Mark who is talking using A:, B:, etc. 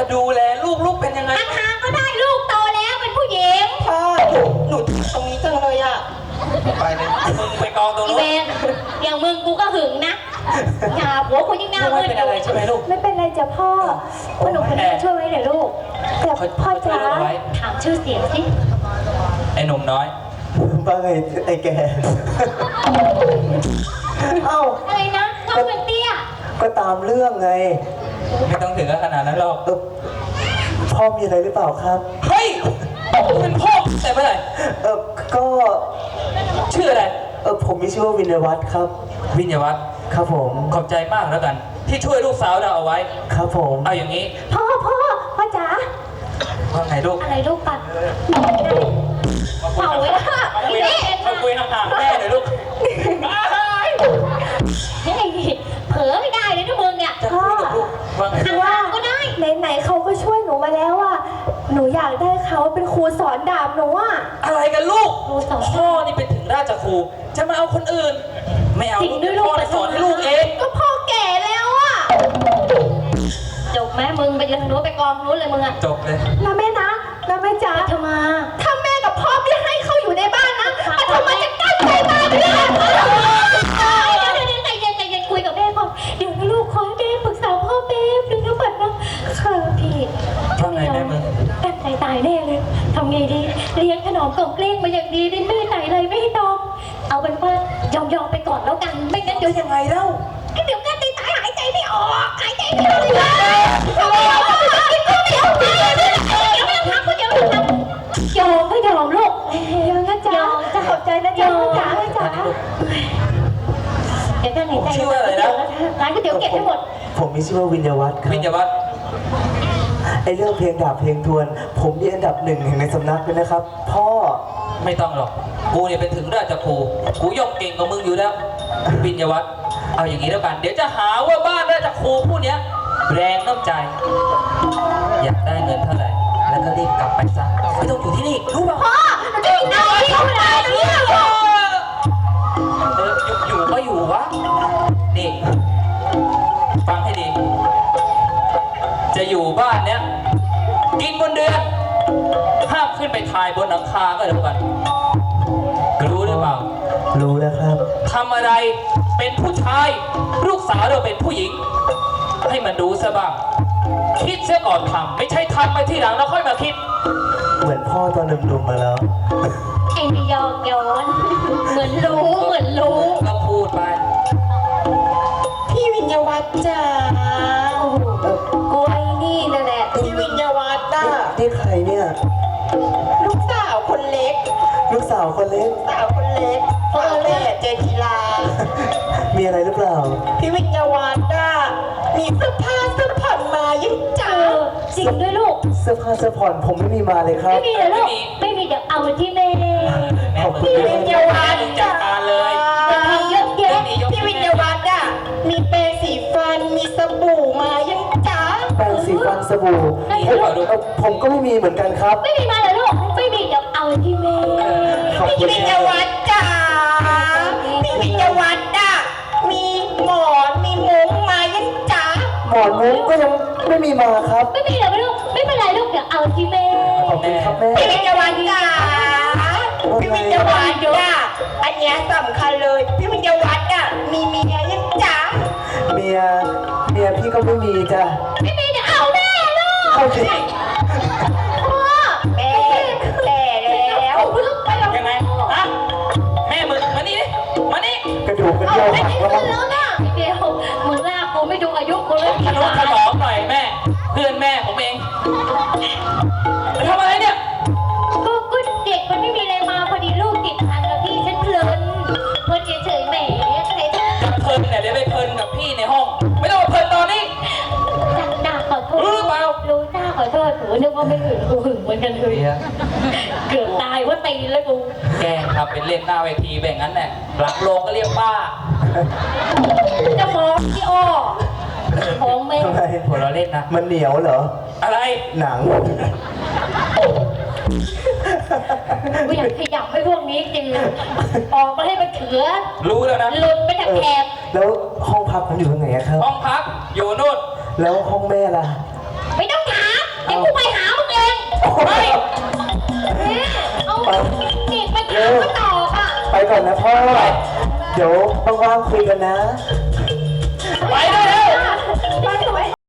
A: จะดูแลลูกเป็นยังไง
B: อาคารก็ได้ลูกโตแล้วเป็นผู้หญิง
C: พ่อหนูตรงนี้จังเลยอ่ะ
A: ไปเลยมึงไปกองตรงนู้น
B: อีเวนอย่างมึงกูก็หึงนะอย่าหัวคุณยิ่งหน้ามืด
A: ไม่เป็นอะไรใช่ไหมลูก
D: ไม่เป็นไรจ้ะพ่อพ่อหนูคนนี้ช่วยไว้เดี๋ยวลูกแต่พ่อจ๋า
B: ถามชื่อเสียงสิ
A: ไอ้หนุ่มน้อย
C: ว่าไงไอ้แกเอ้า
B: อะไรนะน้องเป็นเตี้ย
C: ก็ตามเรื่องไง
A: ไม่ต้องถึงขนาดนั้นหรอก
C: พ่อมีอะไรหรือเปล่าครับ
A: เฮ้ยเป็นพ่อแต่เมื่อไหร่
C: ก็
A: ชื่ออะไร
C: ผมมีชื่อว่าวินยวัฒน์ครับ
A: วินยวัฒน์
C: ครับผม
A: ขอบใจมากแล้วกันที่ช่วยลูกสาวเราเอาไว้
C: ครับผม
A: เอาอย่างนี้
D: พ่อจ๋า
A: ว่าไงลูก
B: อะไรลูกปัดเป่าไว้ค่ะ
A: มาคุยห่างๆแม่หน่อยลูก
B: เฮ้ยเผลอไม่ได้เลยนะมึงเนี่ย
A: จะคุยกับลูกว่าไง
D: ว่า
B: ก็ได้
D: ไหนเขาก็ช่วยหนูมาแล้วอ่ะหนูอยากได้เขาเป็นครูสอนดาบหนูอ่ะ
A: อะไรกันลูกพ่อนี่เป็นถึงราชครูจะมาเอาคนอื่นไม่เอาพ่อสอนให้ลูกเอง
D: ก็พ่อแก่แล้วอ่ะ
B: จบไหมมึงไปยืนนู้นไปกองนู้นเลยมึงอะ
A: จบเลย
D: นะแม่จ๋า
B: ทำไม
D: ถ้าแม่กับพ่อไม่ให้เขาอยู่ในบ้านนะมันทำไมจะกั้นใจมาไม่ได้
B: ใจเย็นคุยกับแม่ก่อนเดี๋ยวลูกขอให้แม่ปรึกษาพ่อแป๊บนึงนะปัดนะค่ะพี่
A: ว่าไงแม่มึง
B: ตั้งใจตายแน่เลยทำไงดีเลี้ยงขนมกล่องเกลี้ยงมาอย่างดีไม่ไหนเลยไม่ให้ตองเอาเป็นว่ายอมไปก่อนแล้วกันไม่งั้นเดี๋ยว
A: ยังไงเล่า
B: เดี๋ยวกั้นใจตายหายใจไม่ออกหายใจไม่ออกเลยยอมไม่ยอมลูก
D: ยอมนะจ๊ะจะขอบใจนะจ๊ะจ๋า
B: เดี๋ยวกันหายใจชื่ออะไรนะร้านก๋วยเตี๋ยวเก็บให้หมด
C: ผมมีชื่อว่าวินยวัฒน์ครับ
A: วินยวัฒน์
C: ไอเรื่องเพลงดาบเพลงทวนผมมีอันดับ1แห่งในสำนักเลยนะครับพ่อ
A: ไม่ต้องหรอกกูเนี่ยเป็นถึงราชครูกูย่อมเก่งกว่ามึงอยู่แล้ววินยวัฒน์เอาอย่างนี้แล้วกันเดี๋ยวจะหาว่าบ้านราชครูผู้เนี้ยแรงน้ำใจอยากได้เงินเท่าไหร่แล้วก็รีบกลับไปซะไม่ต้องอยู่ที่นี่รู้ป่ะ
D: พ่อเราจะกินอะไรที่เวลาเนี่ย
A: อยู่ก็อยู่วะนี่ฟังให้ดีจะอยู่บ้านเนี้ยกินบนเดือนห้ามขึ้นไปถ่ายบนหลังคาก็แล้วกันรู้หรือเปล่า
C: รู้แล้วครับ
A: ทำอะไรเป็นผู้ชายลูกสาวเราเป็นผู้หญิงให้มันดูซะบ้างคิดเสียก่อนทำไม่ใช่ทำไปที่หลังแล้วค่อยมาคิด
C: เหมือนพ่อตอนหนุ่มๆมาแล้ว
B: ไอ้นี่ยอกย้อนเหมือนรู้
A: ก็พูดไป
D: พี่วินยวัฒน์จ้ากูไอ้นี่นั่นแหละ
C: พี่วินยวัฒน์นี่ใครเนี่ย
D: ลูกสาวคนเล็ก
C: สาวคนเล็ก
D: พ่อแม่เจนจิลา
C: มีอะไรหรือเปล่า
D: พี่วิญญาวัฒน์มีเสื้อผ้าเสื้อผ่อนมายังจ้า
B: จริงด้วยลูก
C: เสื้อผ้าเสื้อผ่อนผมไม่มีมาเลยครับ
B: ไม่มีเหรอลูกไม่มีเดี๋ยวเอาที่แม่
D: พี่วิญญาวัฒน์
A: จัดการเลย
D: เยอะแยะพี่วิญญาวัฒน์มีแปรงสีฟันมีสบู่มายังจ้า
C: แปรงสีฟันสบู่ผมก็ไม่มีเหมือนกันครับ
B: ไม่มีมาเหรอลูกไม่มีเดี๋ยวเอาที่แม่
D: พี่วิญญาวัฒน์จ้าพี่วิญญาวัฒน์มีหมอนมีมุ้งมายังจ้า
C: หมอนมุ้งก็ยังไม่มีมาครับ
B: ไม่มีเหรอลูกไม่เป็นไรลูกเดี๋ยวเอาที่แม่
C: ขอบคุณครับแม่
D: พี่วิญญาวัฒน์พี่วิญญาวัฒน์อันนี้สำคัญเลยพี่วิญญาวัฒน์มีเมียยังจ้า
C: เมียพี่ก็ไม่มีจ้ะ
B: ไม่มีเดี๋ยวเอาแม่ลูก
C: เอาสิ
D: พ่อแม่แก่แล้ว
A: ยังไงฮะแม่มึงมานี่ดิมานี่
C: กระดูกกระโดด
B: แล้วนะเดี๋ยวมึงลากกูไม่ดูอายุกูเลย
A: ทะนุถนอมหน่อยแม่เพื่อนแม่ผมเองทำอะไรเนี่ย
B: ก็เด็กมันไม่มีอะไรมาพอดีลูกติดพันแล้วพี่ฉันเพลินเฉยๆแหมใครจะ
A: เพลินเนี่ยเดี๋ยวไปเพลินกับพี่ในห้องไม่ต้องมาเพลินตอนนี้
B: ด่าขอโทษ
A: รู้หรือเปล่า
B: รู้หน้าขอโทษหนูนึกว่าไม่หึงกูหึงเหมือนกันเลยเกือบตายว่าตีแล้วกู
A: แกทำเป็นเล่นหน้าเวทีแบบนั้นแหละหลังโรงก็เรียกป้า
B: จะมองพี่อ้อมองไม่
A: หัวเราเล่นนะ
C: มันเหนียวเหรอ
A: อะไร
C: หนัง
B: กูอยากขยับให้พวกนี้จริงออกมาให้มันเถือ
A: รู้แล้วนะ
B: หลุดไปจากแคบ
C: แล้วห้องพักผมอยู่ตรงไหนครับ
A: ห้องพักอยู่นู่น
C: แล้วห้องแม่ล่ะ
B: ไม่ต้องถามเดี๋ยวกูไปหามึงเองเอานี่ไปถามเขาต่อค่ะ
C: ไปก่อนนะพ่อ เดี๋ยวว่างๆคุยกันนะ
A: ไปด้วยนะ